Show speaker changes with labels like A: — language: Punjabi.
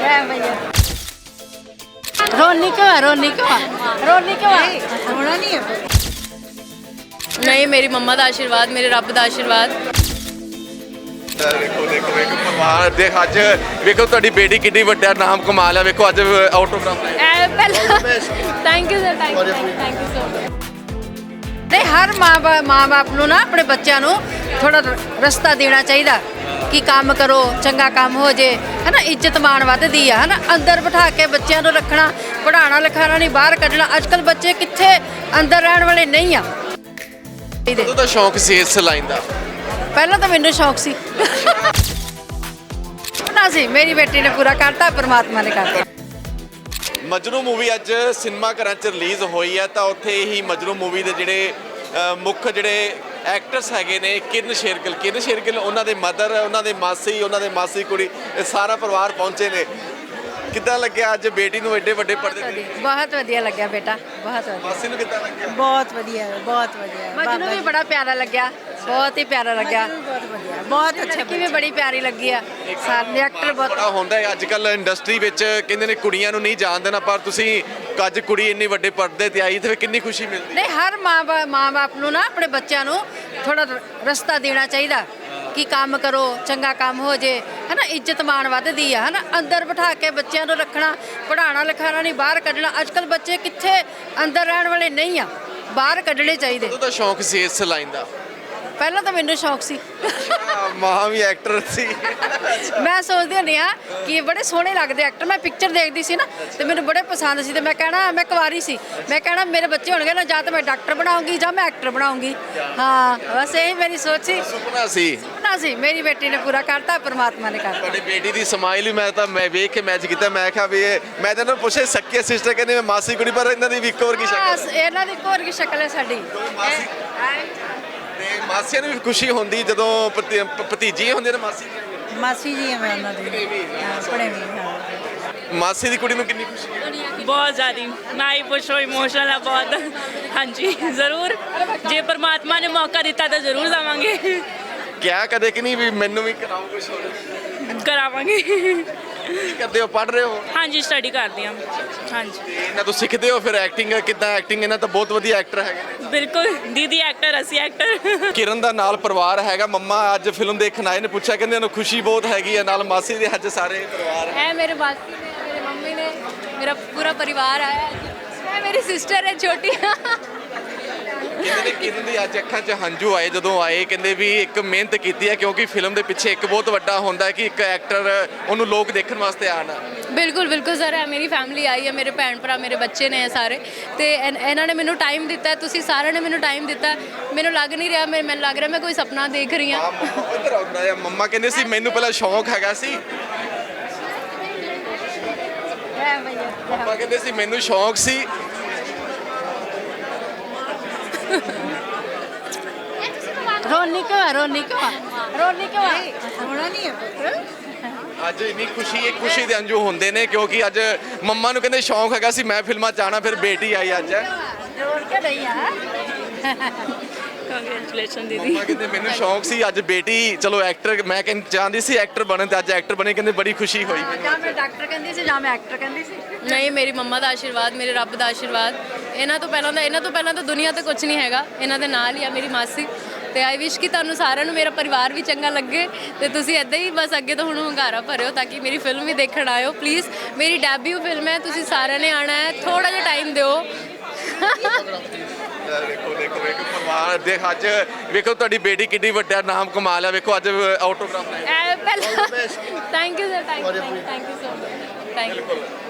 A: रोनी क्यों है? रोनी क्यों है? रोनी क्यों है?
B: ਹੋਣਾ ਨਹੀਂ ਹੈ
C: नहीं मेरी मम्मा का आशीर्वाद मेरे रब का आशीर्वाद
D: ਵੇਖੋ ਵੇਖੋ ਵੇਖੋ ਪਰਿਵਾਰ ਦੇ ਅੱਜ ਵੇਖੋ ਤੁਹਾਡੀ ਬੇਟੀ ਕਿੰਨੀ ਵੱਡਾ ਨਾਮ ਕਮਾ ਲਿਆ ਵੇਖੋ ਅੱਜ ਆਟੋਗ੍ਰਾਫ ਲੈ
C: thank you sir thank you so much
A: ਨਹੀਂ ਹਰ ਮਾਂ-ਬਾਪ ਨੂੰ ਨਾ ਆਪਣੇ ਬੱਚਿਆਂ ਨੂੰ ਥੋੜਾ ਰਸਤਾ ਦੇਣਾ ਚਾਹੀਦਾ ਕਿ ਕੰਮ ਕਰੋ, ਚੰਗਾ ਕੰਮ ਹੋ ਜੇ, ਹੈਨਾ। ਇੱਜ਼ਤ ਮਾਣ ਵੱਧਦੀ ਆ, ਹੈਨਾ। ਅੰਦਰ ਬਿਠਾ ਕੇ ਬੱਚਿਆਂ ਨੂੰ ਰੱਖਣਾ, ਪੜ੍ਹਾਉਣਾ ਲਿਖਾਉਣਾ ਨਹੀਂ, ਬਾਹਰ ਕੱਢਣਾ। ਅੱਜ ਕੱਲ੍ਹ ਬੱਚੇ ਕਿੱਥੇ ਅੰਦਰ ਰਹਿਣ ਵਾਲੇ ਨਹੀਂ ਆ।
D: ਉਦੋਂ ਤਾਂ ਸ਼ੌਂਕ ਸੀ ਇਸ ਲਾਈਨ ਦਾ।
A: ਪਹਿਲਾਂ ਤਾਂ ਮੈਨੂੰ ਸ਼ੌਂਕ ਸੀ ਨਾ ਸੀ, ਮੇਰੀ ਬੇਟੀ ਨੇ ਪੂਰਾ ਕਰਤਾ, ਪਰਮਾਤਮਾ ਨੇ ਕਰਤਾ।
D: ਮਜਨੂ ਮੂਵੀ ਅੱਜ ਸਿਨੇਮਾ ਘਰਾਂ 'ਚ ਰਿਲੀਜ਼ ਹੋਈ ਹੈ ਤਾਂ ਉੱਥੇ ਹੀ ਮਜਨੂ ਮੂਵੀ ਦੇ ਜਿਹੜੇ ਮੁੱਖ ਜਿਹੜੇ ਐਕਟਰਸ ਹੈਗੇ ਨੇ ਕਿਰਨ ਸ਼ੇਰਗਿੱਲ ਉਹਨਾਂ ਦੇ ਮਦਰ, ਉਹਨਾਂ ਦੇ ਮਾਸੀ ਕੁੜੀ, ਇਹ ਸਾਰਾ ਪਰਿਵਾਰ ਪਹੁੰਚੇ ਨੇ। ਕਿੱਦਾਂ ਲੱਗਿਆ ਅੱਜ ਬੇਟੀ ਨੂੰ ਐਡੇ ਵੱਡੇ ਪਰਦੇ ਤੇ?
A: ਬਹੁਤ ਵਧੀਆ ਲੱਗਿਆ ਬੇਟਾ, ਬਹੁਤ ਵਧੀਆ।
D: ਮਾਸੀ ਨੂੰ ਕਿੱਦਾਂ ਲੱਗਿਆ?
B: ਬਹੁਤ ਵਧੀਆ ਬਹੁਤ ਵਧੀਆ
A: ਮਜਨੂੰ ਵੀ ਬੜਾ ਪਿਆਰਾ ਲੱਗਿਆ, ਬਹੁਤ ਹੀ ਪਿਆਰਾ ਲੱਗਿਆ।
B: ਬਹੁਤ ਵਧੀਆ ਬਹੁਤ ਅੱਛਾ
A: ਲੜਕੀ ਵੀ ਬੜੀ ਪਿਆਰੀ ਲੱਗੀ ਆ। ਸਾਰੇ ਐਕਟਰ ਬਹੁਤ
D: ਬੜਾ ਹੁੰਦਾ ਹੈ ਅੱਜ ਕੱਲ ਇੰਡਸਟਰੀ ਵਿੱਚ, ਕਹਿੰਦੇ ਨੇ ਕੁੜੀਆਂ ਨੂੰ ਨਹੀਂ ਜਾਣ ਦੇਣਾ, ਪਰ ਤੁਸੀਂ ਅੱਜ ਕੁੜੀ ਇੰਨੀ ਵੱਡੇ ਪਰਦੇ ਤੇ ਆਈ ਤੇ ਫਿਰ ਕਿੰਨੀ ਖੁਸ਼ੀ ਮਿਲਦੀ।
A: ਨਹੀਂ ਹਰ ਮਾਂ-ਬਾਪ ਨੂੰ ਨਾ ਆਪਣੇ ਬੱਚਿਆਂ ਨੂੰ ਥੋੜਾ ਰਸਤਾ ਦੇਣਾ ਚਾਹੀਦਾ ਕਿ ਕੰਮ ਕਰੋ, ਚੰਗਾ ਕੰਮ ਹੋ ਜੇ, ਹੈਨਾ। ਇੱਜ਼ਤ ਮਾਣ ਵੱਧਦੀ ਆ, ਹੈਨਾ। ਅੰਦਰ ਬਿਠਾ ਕੇ ਬੱਚਿਆਂ ਨੂੰ ਰੱਖਣਾ, ਪੜ੍ਹਾਉਣਾ ਲਿਖਾਉਣਾ ਨਹੀਂ, ਬਾਹਰ ਕੱਢਣਾ। ਅੱਜ ਕੱਲ੍ਹ ਬੱਚੇ ਕਿੱਥੇ ਅੰਦਰ ਰਹਿਣ ਵਾਲੇ ਨਹੀਂ ਆ, ਬਾਹਰ ਕੱਢਣੇ ਚਾਹੀਦੇ।
D: ਉਦੋਂ ਤਾਂ ਸ਼ੌਂਕ ਸੀ ਇਸ ਲਾਈਨ ਦਾ।
A: ਪਹਿਲਾਂ ਤਾਂ ਮੈਨੂੰ ਸ਼ੌਂਕ ਸੀ
D: ਮਾਂ ਵੀ ਐਕਟਰ ਸੀ।
A: ਮੈਂ ਸੋਚਦੀ ਹੁੰਦੀ ਹਾਂ ਕਿ ਬੜੇ ਸੋਹਣੇ ਲੱਗਦੇ ਐਕਟਰ। ਮੈਂ ਪਿਕਚਰ ਦੇਖਦੀ ਸੀ ਨਾ ਤੇ ਮੈਨੂੰ ਬੜੇ ਪਸੰਦ ਸੀ ਤੇ ਮੈਂ ਕਹਿਣਾ, ਮੈਂ ਕੁਆਰੀ ਸੀ, ਮੈਂ ਕਹਿਣਾ ਮੇਰੇ ਬੱਚੇ ਹੋਣਗੇ ਨਾ, ਜਾਂ ਤਾਂ ਮੈਂ ਡਾਕਟਰ ਬਣਾਉਂਗੀ ਜਾਂ ਮੈਂ ਐਕਟਰ ਬਣਾਉਂਗੀ। ਹਾਂ ਬਸ ਇਹੀ ਮੇਰੀ ਸੋਚ ਸੀ,
D: ਸੁਪਨਾ ਸੀ।
A: ਸੁਪਨਾ ਸੀ। ਮੇਰੀ ਬੇਟੀ ਨੇ ਪੂਰਾ ਕਰਤਾ, ਪਰਮਾਤਮਾ ਨੇ ਕਰਤਾ।
D: ਤੁਹਾਡੀ ਬੇਟੀ ਦੀ ਸਮਾਈਲ ਵੀ ਮੈਂ ਵੇਖ ਕੇ ਮੈਚ ਕੀਤਾ। ਮੈਂ ਕਿਹਾ ਵੀ ਮੈਂ ਤਾਂ ਇਹਨਾਂ ਨੂੰ ਪੁੱਛਿਆ ਸੱਕੇ ਸਿਸਟਰ ਕਹਿੰਦੇ ਮੈਂ ਮਾਸੀ ਕੁੜੀ, ਪਰ ਇਹਨਾਂ ਦੀ ਵੀ ਇੱਕੋ ਵਰਗੀ ਸ਼ਕਲ।
A: ਬਸ ਇਹਨਾਂ ਦੀ ਇੱਕੋ ਵਰਗੀ ਸ਼ਕਲ ਹੈ ਸਾਡੀ।
D: ਤੇ ਮਾਸੀਆਂ ਨੂੰ ਵੀ ਖੁਸ਼ੀ ਹੁੰਦੀ ਜਦੋਂ ਭਤੀਜੀ ਹੁੰਦੇ ਨੇ ਮਾਸੀ ਦੀਆਂ।
B: ਮਾਸੀ ਜੀ ਹੈ ਮੈਂ ਉਹਨਾਂ ਦੀ ਆਪਣੇ ਵੀ ਹਾਂ
D: ਮਾਸੀ ਦੀ ਕੁੜੀ ਨੂੰ ਕਿੰਨੀ ਖੁਸ਼ੀ ਹੈ?
C: बहुत ज़्यादा ना ही पूछो इमोशनल है बहुत हाँ जी ज़रूर जे परमात्मा ने मौका दिता तो ज़रूर जावांगे
D: ਕਿਹਾ ਕਦੇ ਕਿ ਨਹੀਂ ਵੀ ਮੈਨੂੰ ਵੀ ਕਰਾਓ ਕੁਝ ਹੋਰ?
C: करावांगे
D: ਕੀ ਕਰਦੇ ਹੋ? ਪੜ੍ਹ ਰਹੇ ਹੋ?
C: हाँ जी स्टडी करते हैं हाँ जी
D: ਤੇ ਇਹਨਾਂ ਤੋਂ ਸਿੱਖਦੇ ਹੋ ਫਿਰ ਐਕਟਿੰਗ ਕਿੱਦਾਂ? ਐਕਟਿੰਗ ਇਹਨਾਂ ਤਾਂ ਬਹੁਤ ਵਧੀਆ ਐਕਟਰ ਹੈਗੇ ਨੇ।
C: बिल्कुल दीदी एक्टर असी एक्टर
D: ਕਿਰਨ ਦਾ ਨਾਲ ਪਰਿਵਾਰ ਹੈਗਾ। ਮੰਮਾ ਅੱਜ ਫਿਲਮ ਦੇਖਣ ਆਏ ਨੇ, ਪੁੱਛਿਆ ਕਹਿੰਦੇ ਉਹਨੂੰ ਖੁਸ਼ੀ ਬਹੁਤ ਹੈਗੀ ਹੈ, ਨਾਲ ਮਾਸੀ ਦੇ ਅੱਜ ਸਾਰੇ ਪਰਿਵਾਰ ਹੈ।
C: है मेरे मासी ने मेरे मम्मी ने मेरा पूरा परिवार आया है है मेरी सिस्टर है छोटी
D: ਕਹਿੰਦੇ ਨੇ ਕਿਰਨ ਦੀ ਅੱਜ ਅੱਖਾਂ 'ਚ ਹੰਝੂ ਆਏ ਜਦੋਂ ਆਏ। ਕਹਿੰਦੇ ਵੀ ਇੱਕ ਮਿਹਨਤ ਕੀਤੀ ਹੈ, ਕਿਉਂਕਿ ਫਿਲਮ ਦੇ ਪਿੱਛੇ ਇੱਕ ਬਹੁਤ ਵੱਡਾ ਹੁੰਦਾ ਹੈ ਕਿ ਇੱਕ ਐਕਟਰ ਉਹਨੂੰ ਲੋਕ ਦੇਖਣ ਵਾਸਤੇ ਆਉਣ।
C: ਬਿਲਕੁਲ ਬਿਲਕੁਲ ਸਰ ਹੈ ਮੇਰੀ ਫੈਮਿਲੀ ਆਈ ਹੈ, ਮੇਰੇ ਭੈਣ ਭਰਾ ਮੇਰੇ ਬੱਚੇ ਨੇ ਸਾਰੇ ਤੇ ਇਹਨਾਂ ਨੇ ਮੈਨੂੰ ਟਾਈਮ ਦਿੱਤਾ, ਤੁਸੀਂ ਸਾਰਿਆਂ ਨੇ ਮੈਨੂੰ ਟਾਈਮ ਦਿੱਤਾ। ਮੈਨੂੰ ਲੱਗ ਨਹੀਂ ਰਿਹਾ, ਮੈਨੂੰ ਲੱਗ ਰਿਹਾ ਮੈਂ ਕੋਈ ਸੁਪਨਾ ਦੇਖ ਰਹੀ ਹਾਂ।
D: ਇੱਧਰ ਆਉਂਦਾ ਹੈ। ਮੰਮਾ ਕਹਿੰਦੇ ਸੀ ਮੈਨੂੰ ਪਹਿਲਾਂ ਸ਼ੌਂਕ ਹੈਗਾ ਸੀ, ਮੰਮਾ ਕਹਿੰਦੇ ਸੀ ਮੈਨੂੰ ਸ਼ੌਂਕ ਸੀ।
A: ਰੋਨੀ ਕਿਉਂ ਹੈ? ਰੋਨੀ ਕਿਉਂ ਹੈ? ਰੋਨੀ ਕਿਉਂ ਹੈ?
B: ਹੋਣਾ ਨਹੀਂ ਹੈ
D: ਅੱਜ ਇੰਨੀ ਖੁਸ਼ੀ ਦੇ ਅੰਜੂ ਹੁੰਦੇ ਨੇ ਕਿਉਂਕਿ ਅੱਜ ਮੰਮਾ ਨੂੰ ਕਹਿੰਦੇ ਸ਼ੌਂਕ ਹੈਗਾ ਸੀ ਮੈਂ ਫਿਲਮਾਂ 'ਚ ਆਉਣਾ, ਫਿਰ ਬੇਟੀ ਆਈ ਅੱਜ।
A: ਰੋਣ ਕੇ ਨਹੀਂ ਆ।
C: ਕੰਗ੍ਰੈਚੁਲੇਸ਼ਨ ਦੀਦੀ
D: ਮੰਮਾ ਕਹਿੰਦੇ ਮੈਨੂੰ ਸ਼ੌਂਕ ਸੀ, ਅੱਜ ਬੇਟੀ ਚਲੋ ਐਕਟਰ, ਮੈਂ ਕਹਿੰਦੀ ਚਾਹੁੰਦੀ ਸੀ ਐਕਟਰ ਬਣਨ ਤੇ ਅੱਜ ਐਕਟਰ ਬਣੇ, ਕਹਿੰਦੇ ਬੜੀ ਖੁਸ਼ੀ ਹੋਈ ਮੈਨੂੰ।
A: ਜਾਂ ਮੈਂ ਡਾਕਟਰ ਕਹਿੰਦੀ ਸੀ ਜਾਂ ਮੈਂ ਐਕਟਰ ਕਹਿੰਦੀ ਸੀ।
C: ਨਹੀਂ ਮੇਰੀ ਮੰਮਾ ਦਾ ਆਸ਼ੀਰਵਾਦ, ਮੇਰੇ ਰੱਬ ਦਾ ਆਸ਼ੀਰਵਾਦ। ਇਹਨਾਂ ਤੋਂ ਪਹਿਲਾਂ ਤਾਂ ਦੁਨੀਆ ਤੇ ਕੁਝ ਨਹੀਂ ਹੈਗਾ, ਇਹਨਾਂ ਦੇ ਨਾਲ ਹੀ ਆ ਮੇਰੀ ਮਾਸੀ। ਤੇ ਆਈ ਵਿਸ਼ ਕਿ ਤੁਹਾਨੂੰ ਸਾਰਿਆਂ ਨੂੰ ਮੇਰਾ ਪਰਿਵਾਰ ਵੀ ਚੰਗਾ ਲੱਗੇ ਤੇ ਤੁਸੀਂ ਇੱਦਾਂ ਹੀ ਬਸ ਅੱਗੇ ਤੋਂ ਹੁਣ ਹੁੰਗਾਰਾ ਭਰਿਓ ਤਾਂ ਕਿ ਮੇਰੀ ਫਿਲਮ ਵੀ ਦੇਖਣ ਆਇਓ ਪਲੀਜ਼। ਮੇਰੀ ਡੈਬਿਊ ਫਿਲਮ ਹੈ, ਤੁਸੀਂ ਸਾਰਿਆਂ ਨੇ ਆਉਣਾ ਹੈ, ਥੋੜਾ ਜਿਹਾ ਟਾਈਮ ਦਿਓ।
D: ਵੇਖੋ ਵੇਖੋ ਵੇਖੋ ਪਰਿਵਾਰ ਦੇ ਅੱਜ ਵੇਖੋ ਤੁਹਾਡੀ ਬੇਟੀ ਕਿੰਨੀ ਵੱਡਾ ਨਾਮ ਕਮਾ ਲਿਆ। ਵੇਖੋ ਅੱਜ ਆਟੋਗ੍ਰਾਫ ਲੈ
C: ਪਹਿਲਾਂ thank you sir thank you so much thank you.